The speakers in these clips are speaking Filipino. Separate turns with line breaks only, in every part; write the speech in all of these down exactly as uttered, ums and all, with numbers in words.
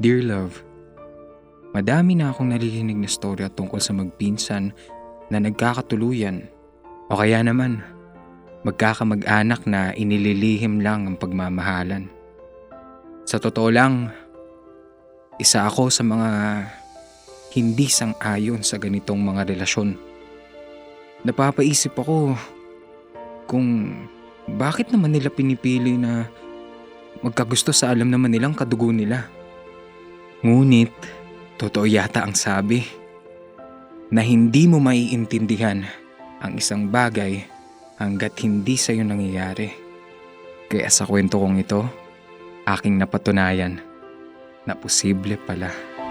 Dear love, madami na akong naririnig na storya tungkol sa magpinsan na nagkakatuluyan o kaya naman magkakamag-anak na inililihim lang ang pagmamahalan. Sa totoo lang, isa ako sa mga hindi sang-ayon sa ganitong mga relasyon. Napapaisip ako kung bakit naman nila pinipili na magkagusto sa alam naman nilang kadugo nila. Ngunit, totoo yata ang sabi na hindi mo maiintindihan ang isang bagay hanggat hindi sa'yo nangyayari. Kaya sa kwento kong ito, aking napatunayan na posible pala.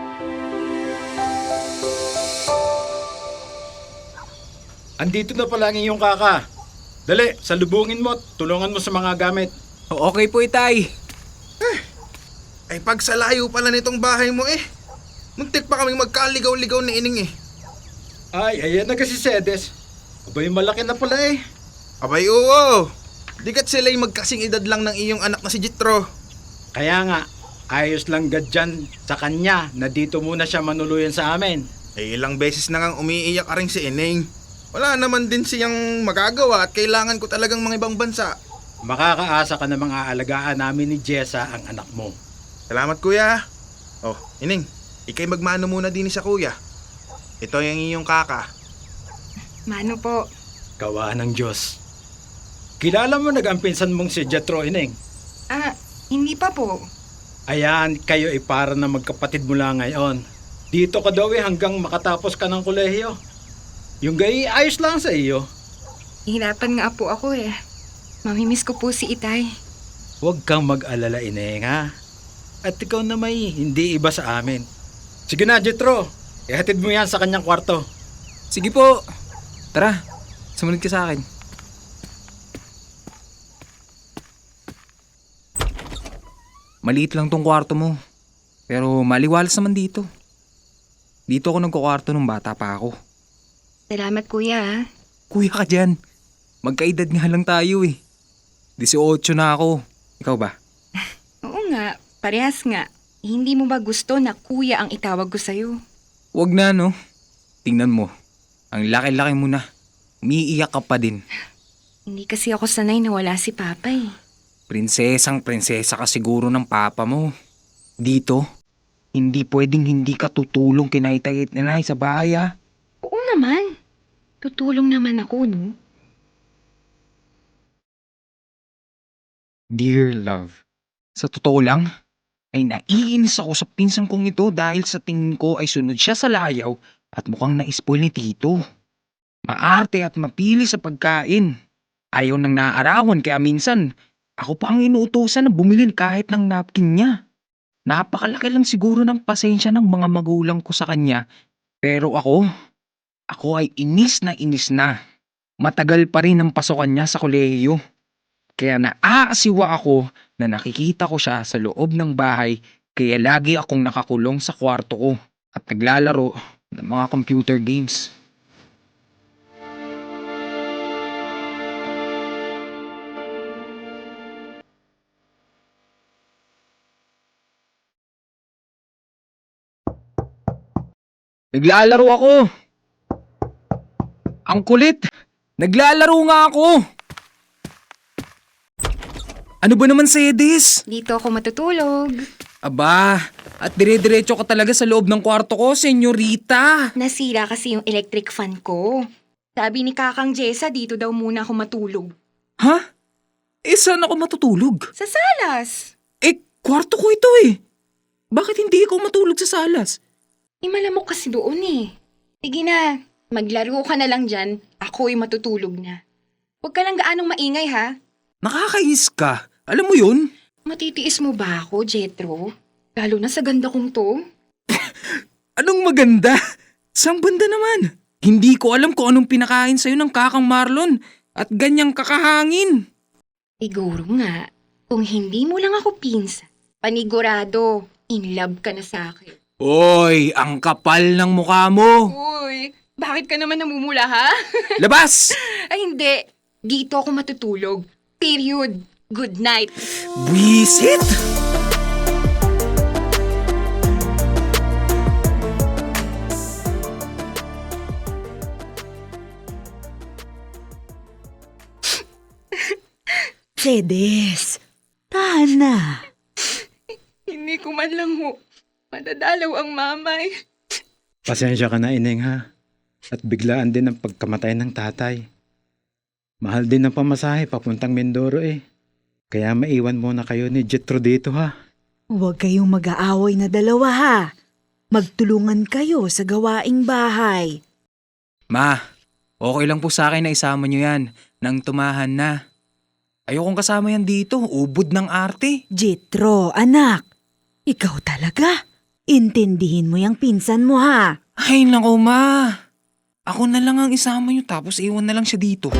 Andito na pala ang iyong kaka. Dali, salubungin mo at tulungan mo sa mga gamit.
Okay po, itay.
Ay pag sa layo pala nitong bahay mo eh. Muntik pa kaming magkaligaw-ligaw ni Ining eh.
Ay, ayan na kasi si Sedes. Abay, malaki na pala eh.
Abay oo. Dikat sila'y magkasing edad lang ng iyong anak na si Jitro.
Kaya nga, ayos lang gadyan sa kanya na dito muna siya manuluyan sa amin.
Ay ilang beses na ngang umiiyak ka rin si Ining. Wala naman din siyang magagawa at kailangan ko talagang mga ibang bansa.
Makakaasa ka na mga aalagaan namin ni Jessa ang anak mo.
Salamat kuya. Oh, Ining, ikay magmano muna din sa kuya. Ito yung iyong kaka.
Mano po.
Gawa ng Diyos. Kilala mo nag-ampinsan mong si Jetro, Ining?
Ah, hindi pa po.
Ayan, kayo ay para na magkapatid mula ngayon. Dito ka daw eh hanggang makatapos ka ng kolehiyo. Yung gay ayos lang sa iyo.
Hihirapan nga po ako eh. Mamimiss ko po si Itay.
Huwag kang mag-alala, Ineng, ha? At ikaw na may hindi iba sa amin. Sige na, Jetro. Ihatid mo yan sa kanyang kwarto.
Sige po. Tara, sumunod ka sa akin. Maliit lang tong kwarto mo. Pero maliwalas naman dito. Dito ako nagkukwarto nung bata pa ako.
Salamat kuya ha.
Kuya ka dyan. Magkaedad nga lang tayo eh. eighteen na ako. Ikaw ba?
Oo nga, parehas nga. Hindi mo ba gusto na kuya ang itawag ko sa'yo?
Wag na no. Tingnan mo. Ang laki-laki mo na. Umiiyak ka pa din.
Hindi kasi ako sanay na wala si Papa eh.
Prinsesang prinsesa ka siguro ng papa mo. Dito, hindi pwedeng hindi ka tutulong kina Itay at Inay sa bahay ah.
Oo naman. Tutulong naman ako, no?
Dear love, sa totoo lang, ay naiinis ako sa pinsan kong ito dahil sa tingin ko ay sunod siya sa layaw at mukhang na-spoil ni Tito. Maarte at mapili sa pagkain. Ayaw nang naaarawan kaya minsan, ako pa ang inuutosan na bumili kahit ng napkin niya. Napakalaki lang siguro ng pasensya ng mga magulang ko sa kanya. Pero ako, ako ay inis na inis na. Matagal pa rin ang pasokan niya sa kolehiyo. Kaya naaasiwa ako na nakikita ko siya sa loob ng bahay kaya lagi akong nakakulong sa kwarto ko at naglalaro ng mga computer games. Naglalaro ako! Ang kulit! Naglalaro nga ako! Ano ba naman, Sedes?
Dito ako matutulog.
Aba, at dire-diretso ka talaga sa loob ng kwarto ko, senyorita.
Nasira kasi yung electric fan ko. Sabi ni Kakang Jessa, dito daw muna ako matulog.
Ha? Eh, saan ako matutulog?
Sa salas!
Eh, kwarto ko ito eh. Bakit hindi ikaw matulog sa salas?
Eh, malamok kasi doon eh. Sige na, maglaro ka na lang dyan. Ako'y matutulog na. Huwag ka lang gaanong maingay ha.
Nakakainis ka. Alam mo yun?
Matitiis mo ba ako, Jetro? Lalo na sa ganda kong to.
Anong maganda? Saan banda naman? Hindi ko alam kung anong pinakain sa'yo ng kakang Marlon at ganyang kakahangin.
Siguro nga, kung hindi mo lang ako pinsa, panigurado, in love ka na sa akin.
Oy, ang kapal ng mukha mo.
Uy, bakit ka naman namumula ha?
Labas!
Ay hindi, dito ako matutulog. Period. Good night.
Buisit!
Sedes, tahan na.
Hindi ko man lang ho madadalaw ang mamay.
Pasensya ka na, Ineng, ha? At biglaan din ang pagkamatay ng tatay. Mahal din ang pamasahe papuntang Mindoro eh. Kaya maiwan muna kayo ni Jetro dito, ha?
Huwag kayong mag-aaway na dalawa ha. Magtulungan kayo sa gawaing bahay.
Ma, okay lang po sa akin na isama nyo yan nang tumahan na. Ayokong kasama yan dito, ubod ng arte.
Jitro, anak. Ikaw talaga. Intindihin mo yung pinsan mo ha.
Ay nako ma, ako na lang ang isama nyo tapos iwan na lang siya dito.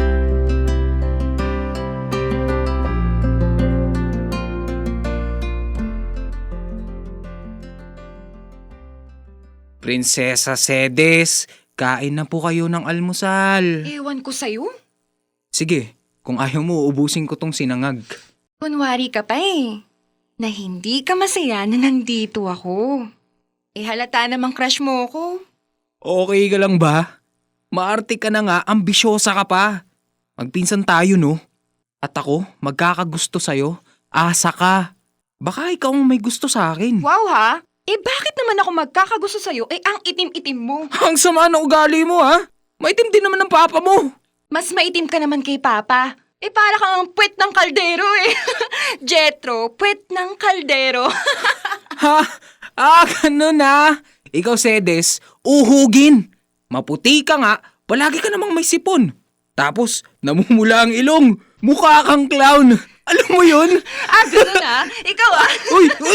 Prinsesa Sedes, kain na po kayo ng almusal.
Ewan ko sa'yo.
Sige, kung ayaw mo, ubusin ko tong sinangag.
Kunwari ka pa eh. Na hindi ka masaya na nandito ako. Eh halata namang crush mo ako.
Okay ka lang ba? Maarte ka na nga, ambisyosa ka pa. Magpinsan tayo no? At ako, magkakagusto sa'yo. Asa ka. Baka ikaw ang may gusto sa akin.
Wow ha? Eh bakit naman ako magkakagusto sa'yo? Eh ang itim-itim mo.
Ang sama ng ugali mo ha? Maitim din naman ng papa mo.
Mas maitim ka naman kay Papa. Eh para kang ang puwet ng kaldero eh. Jetro, puwet ng kaldero.
Ha? Ah, ganun na. Ikaw, Sedes, uhugin. Maputi ka nga, palagi ka namang may sipon. Tapos, namumula ang ilong. Mukha kang clown. Alam mo yun?
Ah, gano'n ah. Ikaw ah.
Uy, uy!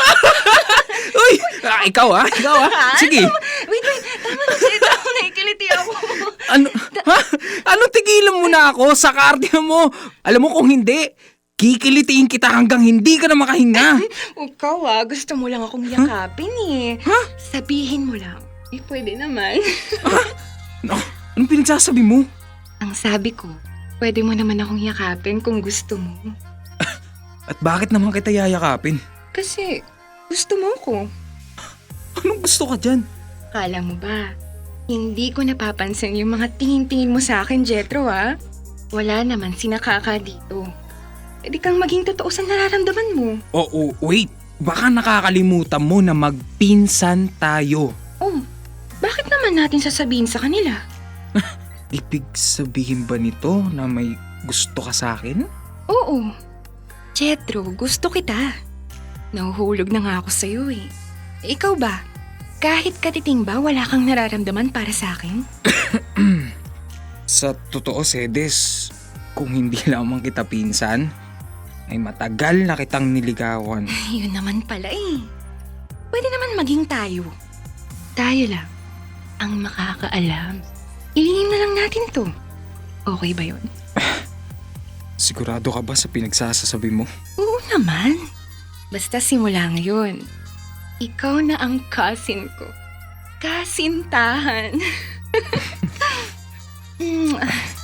Uy! Ah, ikaw ah, ikaw ah. Sige.
Wait, wait. Tama na, Jetro. Nakikiliti ako.
Ano? Ha? Ano tigilan mo na ako sa kardyo mo? Alam mo kung hindi, kikilitiin kita hanggang hindi ka na makahinga.
Ikaw ah, gusto mo lang akong yakapin eh.
Ha?
Sabihin mo lang. Eh, pwede naman.
No, anong pinagsasabi mo?
Ang sabi ko, pwede mo naman akong yakapin kung gusto mo.
At bakit naman kita yayakapin?
Kasi, gusto mo ko.
Anong gusto ka dyan?
Kala mo ba, hindi ko napapansin yung mga tingin-tingin mo sa akin, Jetro ah. Wala naman sinakaka dito. Pwede kang maging totoo sa nararamdaman mo.
Oo, wait. Baka nakakalimutan mo na magpinsan tayo.
Oh, bakit naman natin sasabihin sa kanila?
Ibig sabihin ba nito na may gusto ka sa akin?
Oo. Jetro, gusto kita. Nahuhulog na nga ako sa'yo eh. Ikaw ba? Kahit katiting ba, wala kang nararamdaman para sa akin?
Sa totoo, Sedes, kung hindi lamang kita pinsan, ay matagal na kitang niligawan.
Yun naman pala eh. Pwede naman maging tayo. Tayo lang ang makakaalam. Ilihim na lang natin to. Okay ba yun?
Sigurado ka ba sa pinagsasasabi mo?
Oo naman. Basta simula ngayon, ikaw na ang cousin ko. Kasintahan. Mm.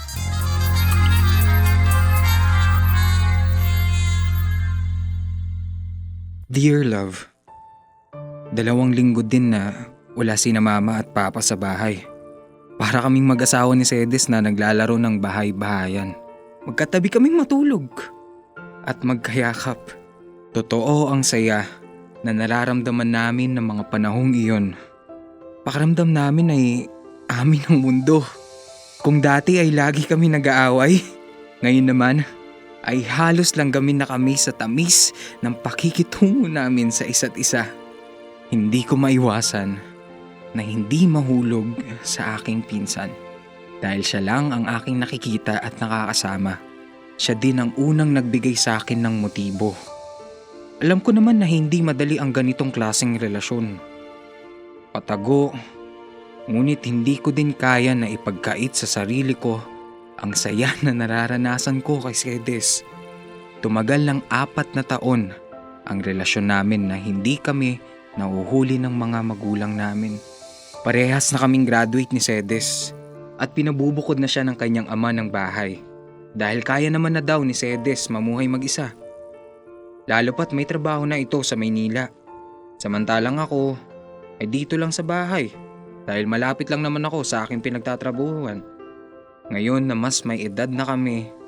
Dear love, dalawang linggo din na wala sina mama at papa sa bahay. Para kaming mag-asawa ni Sedes na naglalaro ng bahay-bahayan. Magkatabi kaming matulog at magkayakap. Totoo ang saya na nararamdaman namin ng mga panahong iyon. Pakiramdam namin ay amin ang mundo. Kung dati ay lagi kami nag-aaway, ngayon naman ay halos lang gamin na kami sa tamis ng pakikitungo namin sa isa't isa. Hindi ko maiwasan na hindi mahulog sa aking pinsan. Dahil siya lang ang aking nakikita at nakakasama. Siya din ang unang nagbigay sa akin ng motibo. Alam ko naman na hindi madali ang ganitong klaseng relasyon. Patago, ngunit hindi ko din kaya na ipagkait sa sarili ko ang saya na nararanasan ko kay Sedes. Tumagal ng apat na taon ang relasyon namin na hindi kami nahuhuli ng mga magulang namin. Parehas na kaming graduate ni Sedes at pinabubukod na siya ng kanyang ama ng bahay dahil kaya naman na daw ni Sedes mamuhay mag-isa. Lalo pat may trabaho na ito sa Maynila. Samantalang ako ay dito lang sa bahay dahil malapit lang naman ako sa aking pinagtatrabuhan. Ngayon na mas may edad na kami,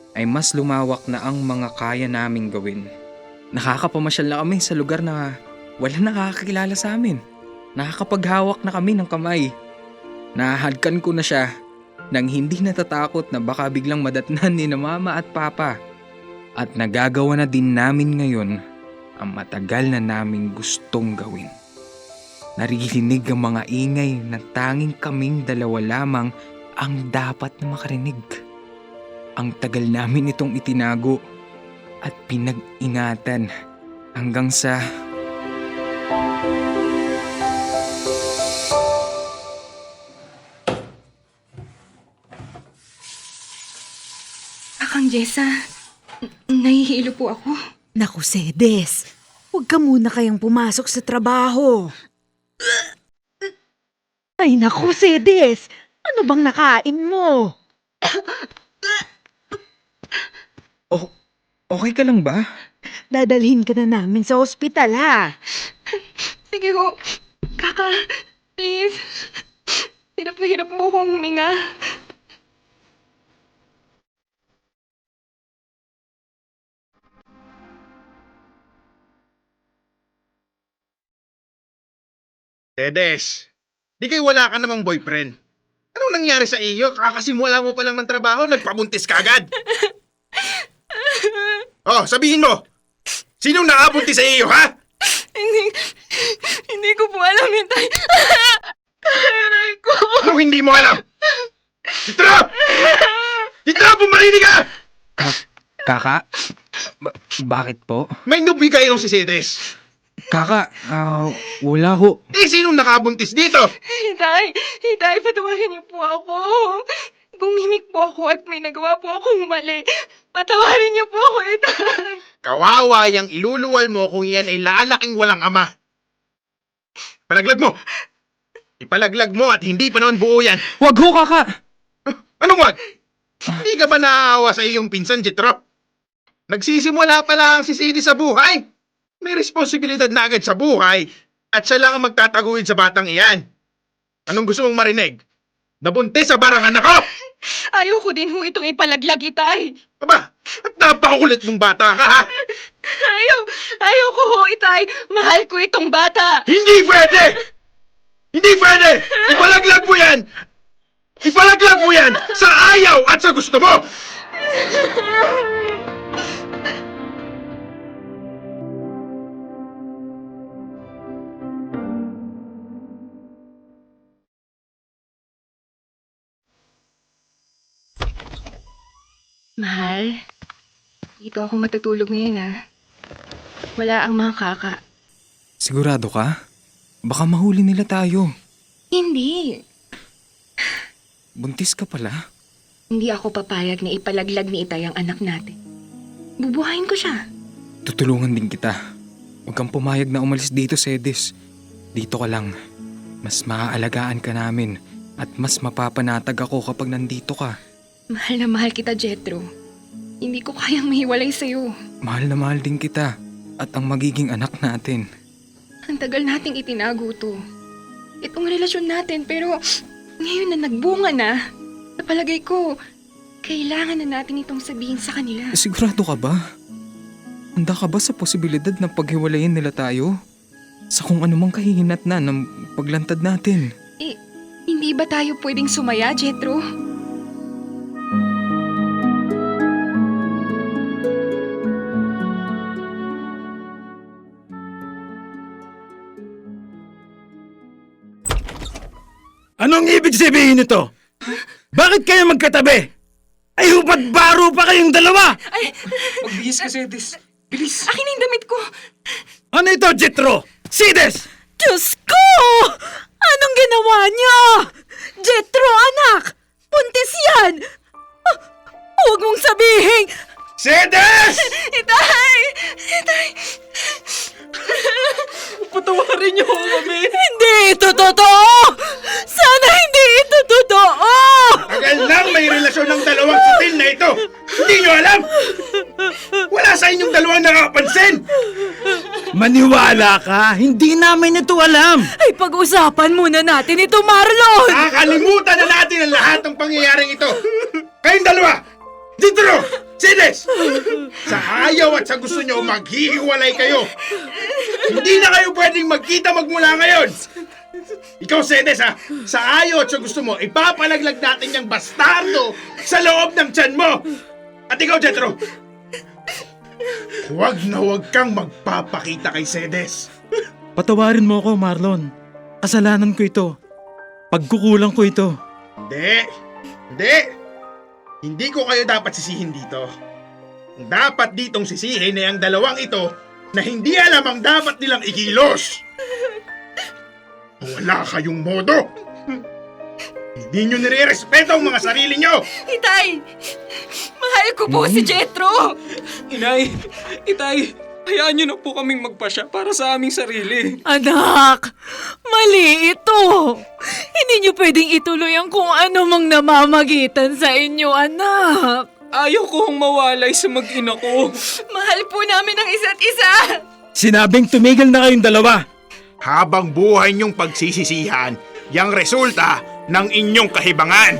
ay mas lumawak na ang mga kaya naming gawin. Nakakapamasyal na kami sa lugar na wala nakakakilala sa amin. Nakakapaghawak na kami ng kamay. Nahahadkan ko na siya nang hindi natatakot na baka biglang madatnan ni na mama at papa. At nagagawa na din namin ngayon ang matagal na naming gustong gawin. Naririnig ang mga ingay na tanging kaming dalawa lamang ang dapat na makarinig. Ang tagal namin itong itinago at pinag-ingatan hanggang sa...
Akang Jessa, n- nahihilo po ako.
Naku, Sedes, huwag ka muna kayang pumasok sa trabaho. Ay naku, Sedes, ano bang nakain mo?
Oh, okay ka lang ba?
Dadalhin ka na namin sa ospital, ha?
Sige ho, kaka, please. Hirap na hirap mo kong huminga.
Tedes, di kayo wala ka namang boyfriend. Anong nangyari sa iyo? Kakasimula mo pa lang ng trabaho, nagpabuntis ka agad. Oh, sabihin mo, sinong nakabuntis sa iyo, ha?
Hindi, hindi ko po alam yun, tay. Aray ko.
Anong hindi mo alam? Citra! Citra, bumarinig ka!
Kaka? Ba- bakit po?
May nubi kayo si Tedes.
Kaka, ah, wala ho.
Eh, sinong nakabuntis dito?
Hitay, Hitay, patawarin niyo po ako. Gumimik po ako at may nagawa po akong mali. Patawarin niyo po ako, Hitay.
Kawawa yung iluluwal mo kung yan ay lalaking walang ama. Palaglag mo! Ipalaglag mo at hindi pa naman buo yan.
Wag ho, kaka!
Anong wag? Hindi ka ba naawa sa iyong pinsan, Jitro? Nagsisimula pa lang si Cindy sa buhay. May responsibilidad na agad sa buhay at siya lang ang magtataguin sa batang iyan. Anong gusto mong marinig? Nabuntis sa barangan ako!
Ayoko din ho itong ipalaglag, Itay.
Aba, at napakakulit mong bata ka, ha?
Ayaw, ayoko ho, Itay. Mahal ko itong bata.
Hindi pwede! Hindi pwede! Ipalaglag mo yan! Ipalaglag mo yan sa ayaw at sa gusto mo!
Mahal, dito ako matutulog ngayon, ha? Wala ang mga kaka.
Sigurado ka? Baka mahuli nila tayo.
Hindi.
Buntis ka pala?
Hindi ako papayag na ipalaglag ni Itay ang anak natin. Bubuhayin ko siya.
Tutulungan din kita. Huwag kang pumayag na umalis dito, Sedes. Dito ka lang. Mas maaalagaan ka namin at mas mapapanatag ako kapag nandito ka.
Mahal na mahal kita, Jetro. Hindi ko kayang mahiwalay sa'yo.
Mahal na mahal din kita at ang magiging anak natin.
Ang tagal nating itinago to. Itong relasyon natin, pero ngayon na nagbunga na, sa palagay ko, kailangan na natin itong sabihin sa kanila.
Sigurado ka ba? Handa ka ba sa posibilidad na paghiwalayin nila tayo? Sa kung anumang kahihinat na ng paglantad natin.
Eh, hindi ba tayo pwedeng sumaya, Jetro?
Anong ibig sabihin nito? Bakit kayo magkatabi? Ay hupat baro pa kayong dalawa!
Ay,
Magbihis ka, Sedes. Bilis!
akin na yung damit ko!
Ano ito, Jethro? Sides!
Diyos ko! Anong ginawa niyo? Jetro, anak! Buntis yan! Ah, huwag mong sabihin!
Sides!
Itay! Itay!
Patawarin niyo kami!
Hindi ito totoo! Sana hindi ito totoo!
Tagal nang may relasyon ng dalawang sutil na ito! Hindi nyo alam! Wala sa inyong dalawang nakakapansin!
Maniwala ka, hindi namin ito alam!
Ay, pag-usapan muna natin ito, Marlon!
Nakakalimutan na natin ang lahat ng pangyayaring ito! Kayong dalawa! Jethro! Sedes! Sa ayaw at sa gusto nyo, maghihiwalay kayo. Hindi na kayo pwedeng magkita magmula ngayon. Ikaw, Sedes, ha? Sa ayaw at sa gusto mo, ipapalaglag natin yung bastardo sa loob ng tiyan mo. At ikaw, Jethro, huwag na huwag kang magpapakita kay Sedes.
Patawarin mo ako, Marlon. Kasalanan ko ito. Pagkukulang ko ito.
Hindi. Hindi. Hindi ko kayo dapat sisihin dito. Ang dapat ditong sisihin ay ang dalawang ito na hindi alam ang dapat nilang ikilos. Wala kayong modo. Hindi nyo nire-respeto ang mga sarili nyo.
Itay! Mahal ko po si Jethro!
Inay! Itay! Hayaan niyo na po kaming magpasya para sa aming sarili.
Anak, mali ito. Hindi niyo pwedeng ituloy ang kung ano mang namamagitan sa inyo, anak.
Ayaw kong mawalay sa mag-ina ko.
Mahal po namin ang isa't isa!
Sinabing tumigil na kayong dalawa.
Habang buhay nyong pagsisisihan, yang resulta ng inyong kahibangan.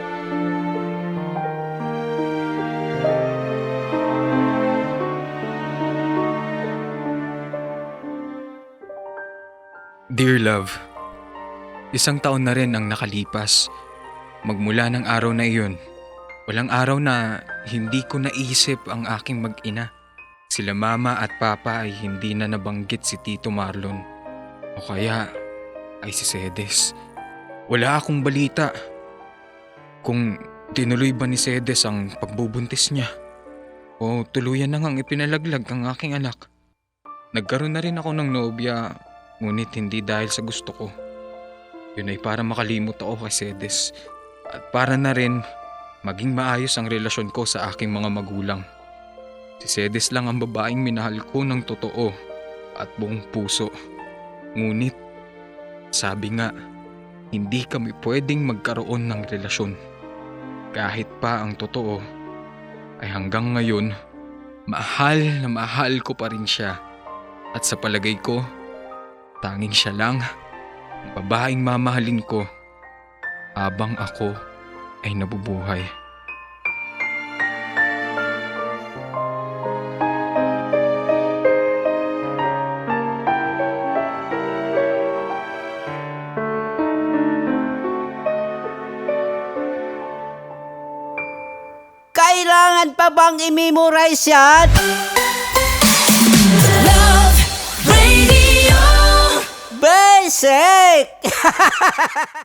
Dear love, isang taon na rin ang nakalipas. Magmula ng araw na iyon, walang araw na hindi ko naisip ang aking mag-ina. Sila mama at papa ay hindi na nabanggit si Tito Marlon. O kaya ay si Sedes. Wala akong balita kung tinuloy ba ni Sedes ang pagbubuntis niya o tuluyan na ngang ipinalaglag ang aking anak. Nagkaroon na rin ako ng nobya, ngunit hindi dahil sa gusto ko. Yun ay para makalimot ako kay Sedes at para na rin maging maayos ang relasyon ko sa aking mga magulang. Si Sedes lang ang babaeng minahal ko ng totoo at buong puso. Ngunit, sabi nga, hindi kami pwedeng magkaroon ng relasyon. Kahit pa ang totoo, ay hanggang ngayon, mahal na mahal ko pa rin siya. At sa palagay ko, tanging siya lang ang babaeng mamahalin ko habang ako ay nabubuhay.
Kailangan pa bang i-memorize yan?
Love Radio.
Basic!